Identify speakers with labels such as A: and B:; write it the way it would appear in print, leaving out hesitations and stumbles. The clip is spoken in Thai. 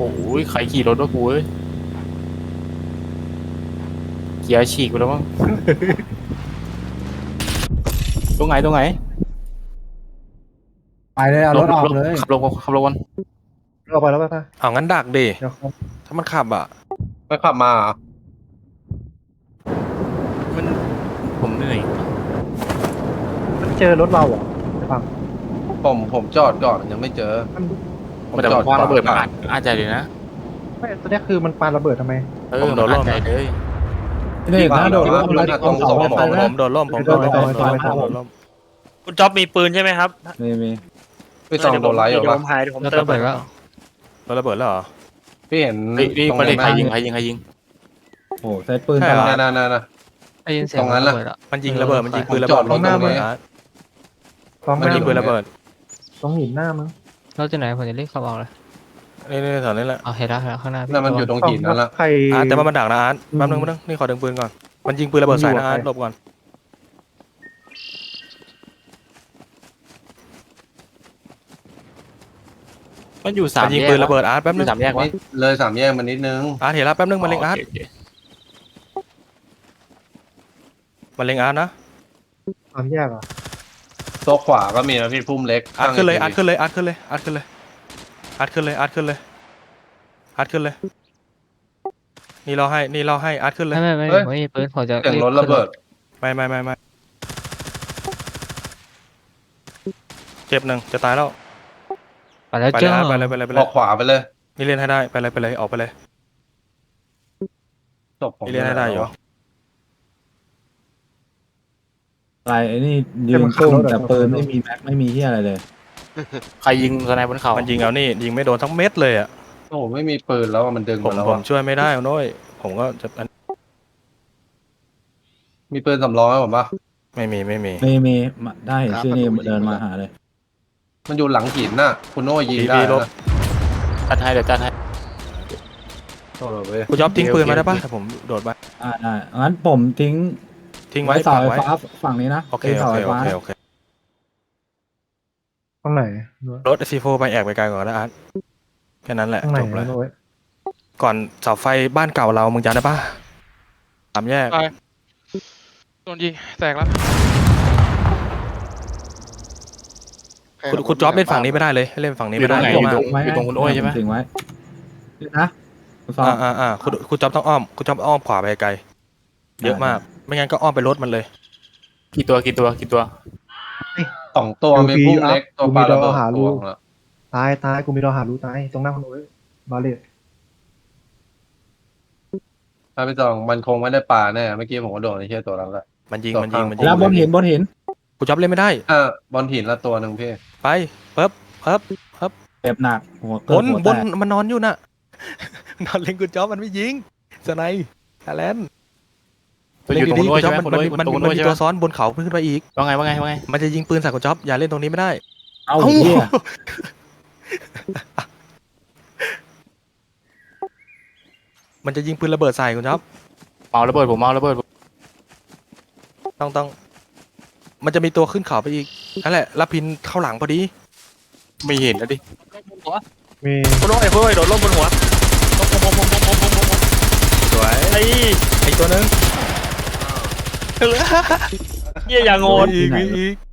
A: อ้ยใครขี่รถวะกูเอ้ยเกียร์ฉีกไปแล้วมั้ง ตรงไหนตรงไหน
B: ไปเลยเอารถออกเลย
A: ขับลงกัน
B: เราไปแล้วไป
C: เอางั้นดักดิ
B: เดี๋ยวครับ
C: ถ้ามันขับอ่ะ
D: ไม่ขับมาเหรอ
A: มันผมเหนื่อย
B: มันเจอรถเราเหรอไม่ฟัง
D: ผมจอดก่อนยังไม่เจอ
A: แต่ผมว่าระเบิดมันอาจจะเลยนะ
B: ไม่ตอนนี้คือมันปาระเบิดทำไม
A: มันอาจจะเลย
B: นี่นะโดด
D: ว่า
B: ร่ม
D: ตรงสอง
C: ผมโดนล่มผมโดนล่มผมโดนล่ม
E: คุณจ๊อบมีปืนใช่ไหมครับ
B: มี
D: พี่ซองโดนไลท์เหรอ
E: เดี๋ยว
D: วะ
E: ผมหายเดี๋ยวผมเติมไปแล้ว
C: โดนระเบิดแล้วเหรอ
D: พี่เห็น
A: นี่
D: ตรง
A: ประเด็น
D: นั้น
A: ใครยิง
B: โอ้ใช้ปืน
C: ใช่
B: ต
C: เหร
B: ล
C: อ
B: อด
D: นั่น
E: ได้ยินเสีย
D: ต
E: ง
D: รงนั้นน่ะ
E: ระเบิดอะ
C: มันยิงระเบิดมันยิงปืนระ
D: จ
C: เบิ
D: อ
C: ด
D: ดรถตรงนี้
C: มันยิงปืนระเบิด
B: ตรงหินหน้ามึง
E: เราจะไหนผมจะรีบขับออกเลย
C: นี่แถวนี้แหละ
E: เอาเห็นแล้วข้างหน้าพี่
D: นั่นมันอยู่ตรงหินนั่นละ
B: ใคร
C: อาร์ตแต่ว่ามันดักนะอาร์ตแป๊บนึงนี่ขอดึงปืนก่อนมันยิงปืนระเบิดใส่นะอาร์ตหลบก่อน
A: มันอยู่สาม
C: มันยิงปืนระเบิดอาร์ตแป๊บนึง
A: สามแยกวะ
D: นี่เลยสามแยกมานิดนึง
C: อาร์ตเห็นแล้วแป๊บนึงมันเล็งอาร์ตมันเล็งอาร์ตนะ
B: ความแยกอ่ะ
D: โต๊ะขวาก็มีนะพี่พุ่มเล็ก
C: อาร์ตขึ้นเลยอาร์ตขึ้นเลยอาร์ตขึ้นเลยอาร์ตขึ้นเลยอาร์ตขึ้นเลยอาร์ตขึ้นเลยอาร์ตขึ้นเลยนี่เราให้อาร์ตขึ้นเลย
E: ไม่ผมมีปืนผมจะ
D: เสียงรถระเบิด
C: ไม่เจ็บหนึ่งจะตายแล้ว
E: ไปแล้ว
C: ไปเล
E: เจ้าย
C: ไปเลยไปเลยไป
D: อ
C: เล
D: อย กขวาไปเลย
C: นี่เล่นให้ได้ไปเลยออกไปเลย
D: จบผม
C: นี่เล่นให้ได้อยู่
F: อะไรไอ้นี่ยืนซุ่มแต่ปืนไม่มีแม็กไม่มีที่อะไรเลย
A: ใครยิงสไนบนเขา
C: มันยิงเอานี่ยิงไม่โดนทั้งเม็ดเลยอ่ะ
D: โอ้โหไม่มีปืนแล้วอะมันดึง
C: ผม
D: มาแล้ว
C: ผม
D: อะ
C: ช่วยไม่ได้โน้ยผมก็จะ
D: มีปืนสำรองไหมผมปะ
C: ไม่มี
F: มีได้เห็นชื่อนี่เดินมาหาเลย
D: มันอยู่หลังหินน่ะ คุณโน่ยิงได้
C: พี่ลบ
D: นะ
A: จัดให้เดี๋ยวจัดให้
D: โทษเลยเว้ย
C: กูจ๊อบทิ้งปืนมาได้ปะแต่ผมโดดไป
F: ได้งั้นผมทิ้ง
C: ทิ้งไว้
F: เสา
C: ฝัง
F: ไฟ
C: ไว้
F: ฟ้าฝั่งนี้นะ
C: โอเค
F: เสาไฟฟ้า
B: ตรงไหน
C: รถซีโฟไปแอกไปไกลก่อนนะอาร์ตแค่นั้นแหละ
B: ตรงไหน
C: จบเลย
B: โน้ย
C: ก่อนเสาไฟบ้านเก่าเรามึงจำได้ปะสามแยก
G: โดนยิงแตกแล้ว
C: คุณจ๊อบเล่นฝั่งนี้ไม่ได้เลยให้เล่นฝั่งนี้
A: อยู่
C: ไม่
A: ตร
C: ได้
A: งไหน
C: เยอะ
A: อยู่
C: มาก
A: ตรงคุณโอ้ยใช่ไหม
F: ทิ้งไว้นะคุณซ้อม
C: คุณจ๊อบต้องอ้อมคุณจ๊อบอ้อมขวาไปไกลเยอะมาก ไม่งั้นก็อ้อมไปรถมันเลย
A: กี่ตัว
D: สองตัวมีพุ่มเล็กตัวปลาระเบิดตัวนึงละ
B: ตายกูมีรอหารู้ตายตรงหน้าคนโน้ยบาเลต
D: ถ้าพี่จองมันคงไม่ได้ปลาแน่เมื่อกี้ผมก็โดนไอ้เชี่ยตัวนั้นแหละ
C: มันยิง
F: แล้วบนหิน
C: คุณจ๊อบเล่นไม่ได้
D: บอลหินละตัวหนึ่งพี่
C: ไปเปิ๊บ
F: เจ็บหนักหัว
C: บ
F: เกิด
C: น
F: หัว
C: บ
F: แต
C: น
F: ก
C: มันนอนอยู่น่ะ นอนเล่นคุณจ๊อบมันไม่ยิงสไนแอลเลน
A: ตัวอยู่ตรงคุณโอ้ยใช่ไหม
C: มันมี
A: ตรงคุณโอ้ยใช่ไหม
C: ตัวซ้อนบนเขาขึ้นไปอีก
A: ว่าไง
C: มันจะยิงปืนใส่คุณจ๊อบอย่าเล่นตรงนี้ไม่ได้
F: เอาเหี้ย
C: มันจะยิงปืนระเบิดใส่คุณจ๊อบ
A: เมาระเบิดผมเมาระเบิด
C: ต้องมันจะมีตัวขึ้นเขาไปอีกนั่นแหละรับพินเข้าหลังพอดี
A: ไม่เห็นแล้วดิ
B: มี
E: คุณโอ้ยเฮ้ยโดนล่มบนหัว
C: สวย
E: ไอ้
C: ไอตัวนึง
E: เหี้ยอย่างโง่
C: อีก